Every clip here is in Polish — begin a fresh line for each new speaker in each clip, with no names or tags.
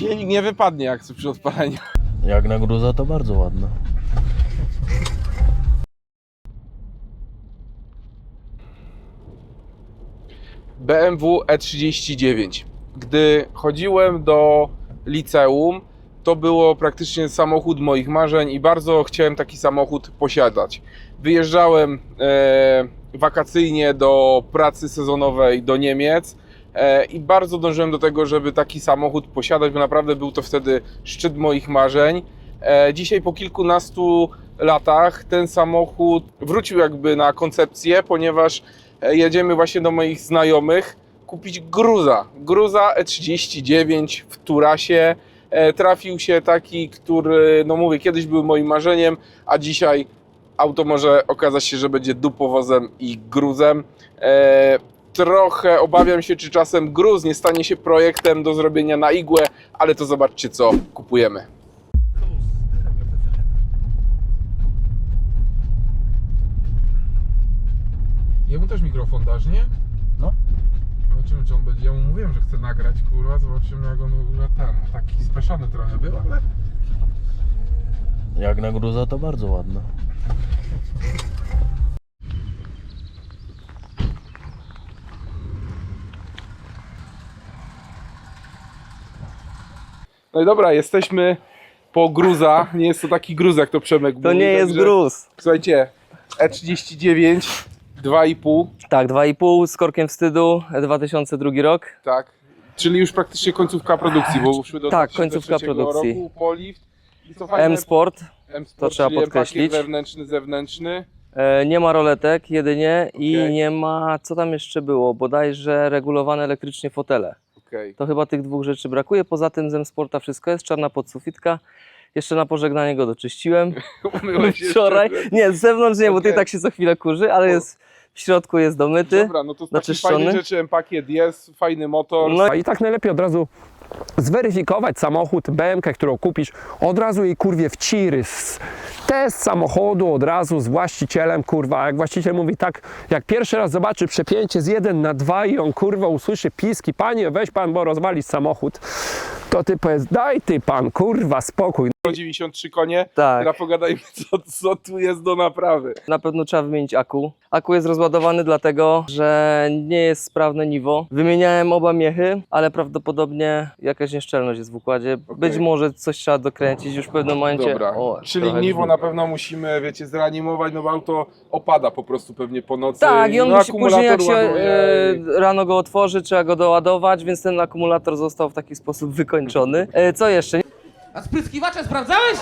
Silnik nie wypadnie jak przy odpaleniu.
Jak na gruza to bardzo ładne.
BMW E39. Gdy chodziłem do liceum, to było praktycznie samochód moich marzeń i bardzo chciałem taki samochód posiadać. Wyjeżdżałem wakacyjnie do pracy sezonowej do Niemiec i bardzo dążyłem do tego, żeby taki samochód posiadać, bo naprawdę był to wtedy szczyt moich marzeń. Dzisiaj po kilkunastu latach ten samochód wrócił jakby na koncepcję, ponieważ jedziemy właśnie do moich znajomych kupić Gruza E39 w Turasie. Trafił się taki, który, no mówię, kiedyś był moim marzeniem, a dzisiaj auto może okazać się, że będzie dupowozem i gruzem. Trochę obawiam się, czy czasem gruz nie stanie się projektem do zrobienia na igłę, ale to zobaczcie, co kupujemy. Jemu też mikrofon dasz, nie?
No.
Zobaczymy, czy on będzie. Ja mu mówiłem, że chcę nagrać, kurwa. Zobaczymy, jak on w ogóle ten. Taki speszony trochę był, ale.
Jak na gruza to bardzo ładne.
No i dobra, jesteśmy po Gruza. Nie jest to taki gruz, jak to Przemek mówi.
To nie jest
także,
gruz.
Słuchajcie, E39, 2,5.
Tak, 2,5 z korkiem wstydu, 2002 rok.
Tak. Czyli już praktycznie końcówka produkcji, bo szły do
Tak,
2003
końcówka produkcji.
Roku, Polift. I co fajne,
M-Sport,
M-Sport,
to trzeba
czyli
podkreślić.
pakiet wewnętrzny, zewnętrzny.
nie ma roletek jedynie i
Okej.
nie ma, co tam jeszcze było, bodajże regulowane elektrycznie fotele.
Okej.
To chyba tych dwóch rzeczy brakuje, poza tym z M-Sporta wszystko jest, czarna podsufitka. Jeszcze na pożegnanie go doczyściłem
Umyłeś się
wczoraj.
jeszcze?
Nie, z zewnątrz nie, bo
Okej.
tutaj tak się co chwilę kurzy, ale jest, w środku jest domyty.
Dobra, no to z takich
naczyszczony.
fajnych rzeczy M-pakiet jest, fajny motor.
No
I tak najlepiej od razu zweryfikować samochód, BM-kę, którą kupisz, od razu jej kurwie w ciry. Test samochodu od razu z właścicielem, kurwa, jak właściciel mówi tak, jak pierwszy raz zobaczy przepięcie z 1:2 i on kurwa usłyszy piski, panie weź pan, bo rozwalisz samochód, to ty powiedz, daj ty pan, kurwa, spokój.
93 konie,
Tak.
teraz pogadajmy, co tu jest do naprawy.
Na pewno trzeba wymienić akku. Akku jest rozładowany dlatego, że nie jest sprawne niwo. Wymieniałem oba miechy, ale prawdopodobnie jakaś nieszczelność jest w układzie. Być może coś trzeba dokręcić już w pewnym momencie.
Dobra,
O,
czyli
trochę
niwo
brzmi.
na pewno musimy, wiecie, zreanimować, no bo auto opada po prostu pewnie po nocy.
Tak, i on
no,
musi później, jak się
ładuje.
rano go otworzy, trzeba go doładować, więc ten akumulator został w taki sposób wykończony. Co jeszcze?
A spryskiwacze sprawdzałeś?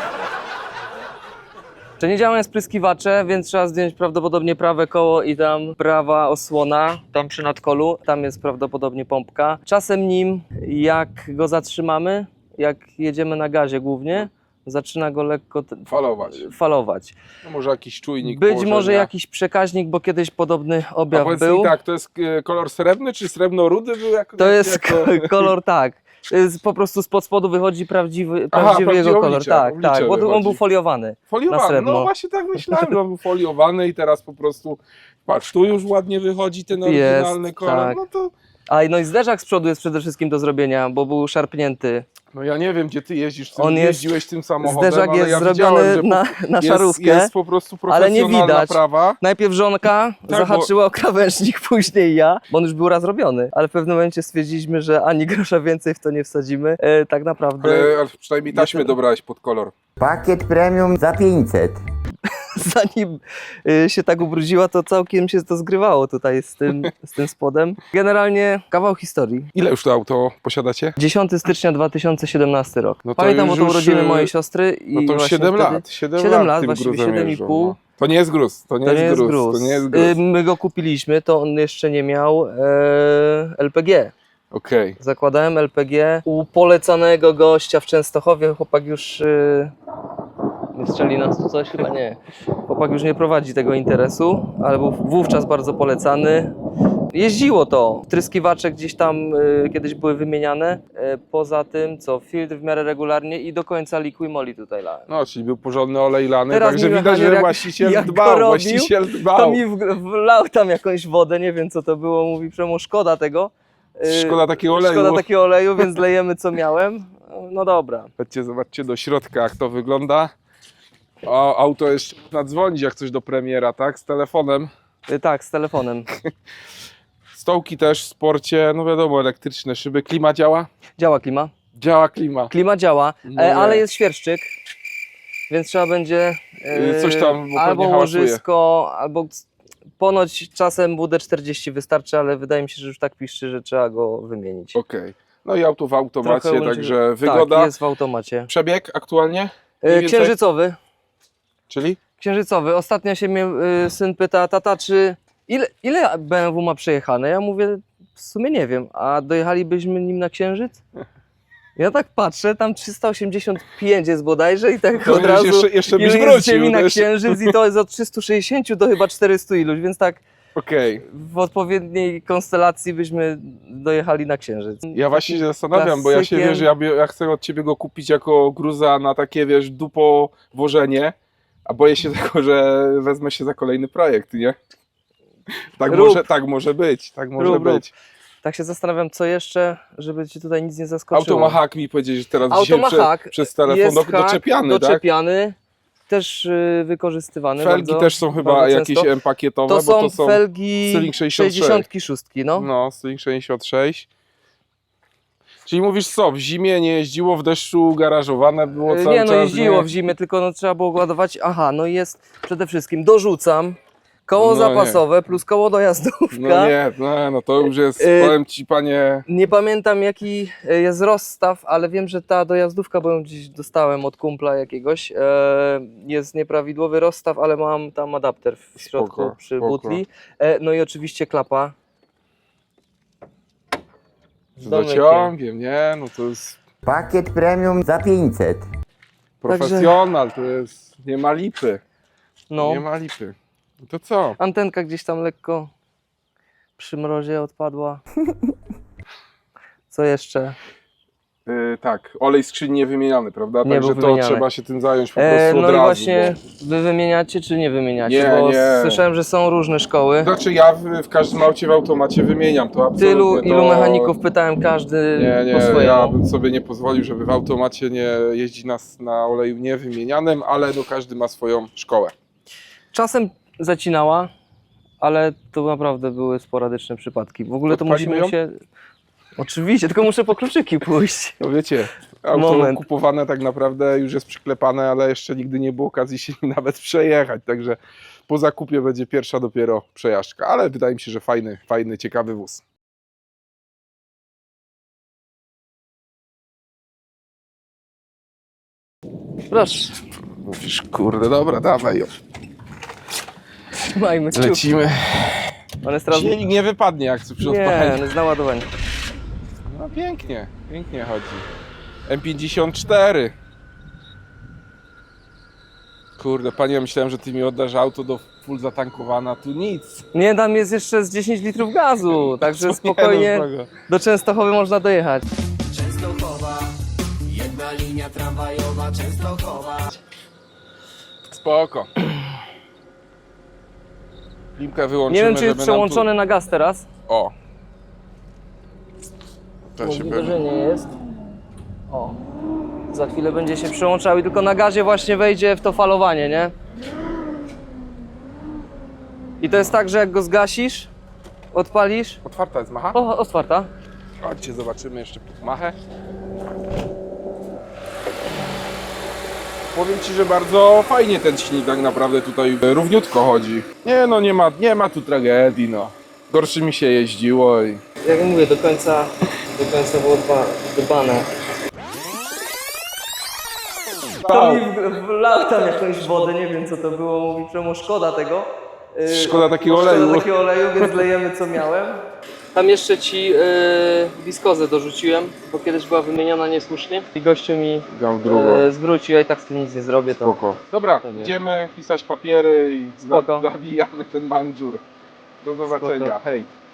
Czy nie działają spryskiwacze, więc trzeba zdjąć prawdopodobnie prawe koło i tam prawa osłona, tam przy nadkolu, tam jest prawdopodobnie pompka. Czasem nim, jak go zatrzymamy, jak jedziemy na gazie głównie, zaczyna go lekko falować.
No może jakiś czujnik
Być
położenia.
może jakiś przekaźnik, bo kiedyś podobny
A
objaw
powiedz
był.
mi tak, to jest kolor srebrny czy srebrno-rudy był?
To jest kolor, tak. Po prostu spod spodu wychodzi prawdziwy
prawdziwy
jego kolor.
oblicze,
Tak,
oblicze
tak, bo on
wychodzi.
był foliowany. na
Foliowany,
srebrno.
no właśnie tak myślałem, że on był foliowany i teraz po prostu, patrz, tu już ładnie wychodzi ten oryginalny kolor,
tak.
no to...
No i zderzak z przodu jest przede wszystkim do zrobienia, bo był szarpnięty.
No ja nie wiem, gdzie ty jeździsz,
On jest-
jeździłeś tym samochodem,
Zderzak
ale
jest
ja
zrobiony
widziałem, że
na szarówkę,
jest po prostu
ale nie
profesjonalna
widać.
prawa.
Najpierw żonka
Tak,
zahaczyła o krawężnik, później ja, bo on już był raz robiony, ale w pewnym momencie stwierdziliśmy, że ani grosza więcej w to nie wsadzimy. Tak naprawdę
Ale przynajmniej taśmę dobrałeś pod kolor.
Pakiet premium za 500.
zanim się tak ubrudziła, to całkiem się to zgrywało tutaj z tym spodem. Generalnie kawał historii.
Ile już to auto posiadacie?
10 stycznia 2017 rok.
No to
Pamiętam, bo
już-
to urodziny mojej siostry i
No to już
właśnie
7
wtedy...
lat. 7
7 lat,
tym
właściwie
gruzem
7,5.
jeżdżą, no. To nie jest gruz, to nie jest gruz.
My go kupiliśmy, to on jeszcze nie miał LPG.
Okej.
Zakładałem LPG u polecanego gościa w Częstochowie. Chłopak już... nie strzeli nas tu coś? Chyba nie. Chłopak już nie prowadzi tego interesu, ale był wówczas bardzo polecany. Jeździło to. Tryskiwacze gdzieś tam kiedyś były wymieniane. Poza tym, filtr w miarę regularnie i do końca Liqui-Moly tutaj lałem.
No, czyli był porządny olej lany,
Teraz
także
mi
widać,
mechanier,
że właściciel
jak go
dbał,
robił,
właściciel dbał.
To mi wlał tam jakąś wodę, nie wiem co to było, mówi Przemo, szkoda tego,
Szkoda takiego oleju.
Szkoda takiego oleju, więc lejemy co miałem. No dobra.
Chodźcie, zobaczcie do środka, jak to wygląda. O, auto jeszcze można dzwonić, jak coś do premiera, tak? Z telefonem.
Tak, z telefonem.
Stołki też w sporcie, no wiadomo, elektryczne szyby. Klima działa?
Działa klima.
Działa klima.
Klima działa,
No nie.
ale jest świerszczyk, więc trzeba będzie
Coś tam, bo
albo
pewnie hałasuje.
łożysko, albo ponoć czasem WD-40 wystarczy, ale wydaje mi się, że już tak piszczy, że trzeba go wymienić.
Okej. No i auto w automacie,
Trochę
także wygoda.
Tak, jest w automacie.
Przebieg aktualnie? Mniej więcej?
Księżycowy.
Czyli?
Księżycowy. Ostatnio się mnie syn pyta, tata, ile BMW ma przejechane? Ja mówię, w sumie nie wiem, a dojechalibyśmy nim na Księżyc? Ja tak patrzę, tam 385 jest bodajże i tak
To
od razu
jeszcze byś
ile jest
wrócił.
ziemi na
to jeszcze-
Księżyc i to jest od 360 do chyba 400 iluś, więc tak
Okej.
w odpowiedniej konstelacji byśmy dojechali na Księżyc.
Ja właśnie się zastanawiam, bo ja się
Klasykiem.
wiesz, ja chcę od ciebie go kupić jako gruza na takie, wiesz, dupo wożenie, a boję się tego, że wezmę się za kolejny projekt, nie? Tak
Rób.
może być, tak może
Rób.
być.
Tak się zastanawiam, co jeszcze, żeby ci tutaj nic nie zaskoczyło.
Auto ma hak, mi powiedzieć, że teraz
Auto
dzisiaj
ma hak,
przez telefon
jest hak,
doczepiany, tak?
doczepiany, też wykorzystywany.
Felgi
bardzo,
też są chyba
bardzo
jakieś
często.
M-pakietowe,
To
bo
są
to są
felgi
Styling 66.
66, no.
no, Styling 66. Czyli mówisz co, w zimie nie jeździło, w deszczu garażowane było cały
Nie, no
czas?
jeździło w zimie, tylko no, trzeba było ładować. Aha, no i jest przede wszystkim, dorzucam koło
No
zapasowe plus koło dojazdówka.
No to już jest, powiem ci panie,
Nie pamiętam jaki jest rozstaw, ale wiem, że ta dojazdówka, bo ją gdzieś dostałem od kumpla jakiegoś, jest nieprawidłowy rozstaw, ale mam tam adapter w środku
Spoko,
przy
spoko.
butli. No i oczywiście klapa.
z
domykiem.
dociągiem, nie? No to jest
Pakiet premium za 500.
profesjonal, to jest, nie ma lipy,
No,
nie ma lipy. No to co?
antenka gdzieś tam lekko przy mrozie odpadła. Co jeszcze?
Tak, olej skrzyni niewymieniany, prawda?
Nie
Także
był
to
wymieniany.
trzeba się tym zająć po prostu
No
od
i
razu.
właśnie wy wymieniacie czy nie wymieniacie?
Nie,
Bo
nie.
słyszałem, że są różne szkoły.
Znaczy ja w każdym aucie w automacie wymieniam to absolutnie.
Ilu
to...
mechaników pytałem, każdy
Nie,
po swojemu.
ja bym sobie nie pozwolił, żeby w automacie nie jeździć na oleju niewymienianym, ale no każdy ma swoją szkołę.
Czasem zacinała, ale to naprawdę były sporadyczne przypadki. W ogóle to
Odpalimy
musimy się... Oczywiście, tylko muszę po kluczyki pójść.
No wiecie, auto
Moment.
kupowane tak naprawdę już jest przyklepane, ale jeszcze nigdy nie było okazji się nim nawet przejechać, także po zakupie będzie pierwsza dopiero przejażdżka, ale wydaje mi się, że fajny, ciekawy wóz.
Proszę,
Mówisz, kurde, dobra, dawaj ją.
trzymajmy kciuki.
Lecimy.
On jest teraz...
Silnik nie wypadnie jak przy
Nie,
odpaleniu.
on jest na ładowaniu.
No pięknie, pięknie chodzi. M54. Kurde, panie, ja myślałem, że ty mi oddasz auto do full zatankowana, tu nic.
Nie, tam jest jeszcze z 10 litrów gazu, także
Nie,
spokojnie
no, spoko.
do Częstochowy można dojechać.
Spoko. Klimkę wyłączymy,
Nie wiem, czy jest
żeby nam
przełączony na gaz teraz.
Tu... O. To się
Możliwe,
pewnie...
że nie jest. O. Za chwilę będzie się przełączał i tylko na gazie właśnie wejdzie w to falowanie, nie? I to jest tak, że jak go zgasisz, odpalisz.
Otwarta jest macha?
O, otwarta.
Chodźcie, zobaczymy jeszcze machę. Powiem ci, że bardzo fajnie ten silnik tak naprawdę tutaj równiutko chodzi. Nie no, nie ma tu tragedii, no. Gorszy mi się jeździło i...
Jak mówię, do końca było dbane. To mi wlał tam jakąś wodę, nie wiem co to było, mówi czemu szkoda tego.
Szkoda takiego oleju.
Szkoda takiego oleju, więc lejemy co miałem. Tam jeszcze ci wiskozę dorzuciłem, bo kiedyś była wymieniona niesłusznie. I gościu mi
Dał drugą.
zwrócił, ja i tak z tym nic nie zrobię. To...
Spoko. Dobra,
To nie.
idziemy pisać papiery i
Spoko.
zawijamy ten mandżur. Do zobaczenia,
Spoko.
hej.